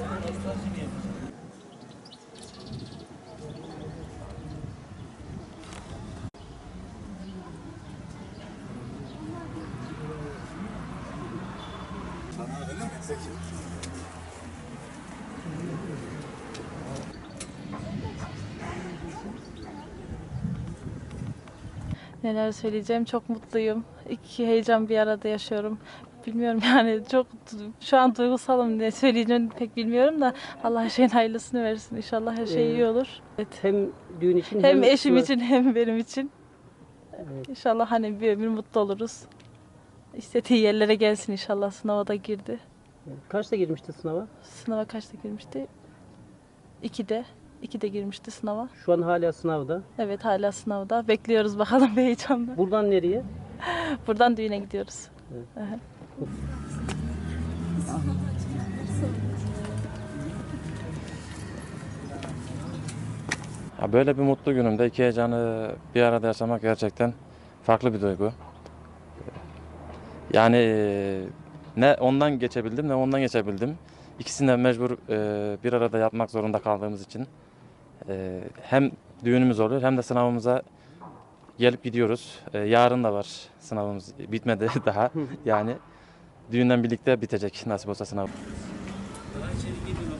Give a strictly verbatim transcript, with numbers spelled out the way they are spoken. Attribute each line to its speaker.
Speaker 1: Neler söyleyeceğim, çok mutluyum. İki heyecan bir arada yaşıyorum. Bilmiyorum yani çok şu an duygusalım, ne söyleyeceğimi pek bilmiyorum da Allah her şeyin hayırlısını versin. İnşallah her şey iyi
Speaker 2: Ee,
Speaker 1: olur. Evet.
Speaker 2: Hem düğün için
Speaker 1: Hem
Speaker 2: hem
Speaker 1: eşim
Speaker 2: sınav-
Speaker 1: için hem benim için.
Speaker 2: Evet.
Speaker 1: İnşallah hani bir ömür mutlu oluruz. İstediği yerlere gelsin inşallah. Sınava da girdi.
Speaker 2: Kaçta girmişti sınava?
Speaker 1: Sınava kaçta girmişti? İkide. İkide girmişti sınava.
Speaker 2: Şu an hala sınavda.
Speaker 1: Evet, hala sınavda. Bekliyoruz bakalım bir heyecanla.
Speaker 2: Buradan nereye?
Speaker 1: Buradan düğüne gidiyoruz.
Speaker 2: Evet.
Speaker 1: Aha.
Speaker 3: Ya böyle bir mutlu günümde iki heyecanı bir arada yaşamak gerçekten farklı bir duygu. Yani e, ne ondan geçebildim ne ondan geçebildim. İkisini de mecbur e, bir arada yapmak zorunda kaldığımız için e, hem düğünümüz oluyor hem de sınavımıza gelip gidiyoruz. E, yarın da var sınavımız, bitmedi daha. Yani düğünden birlikte bitecek nasip olsa sınav.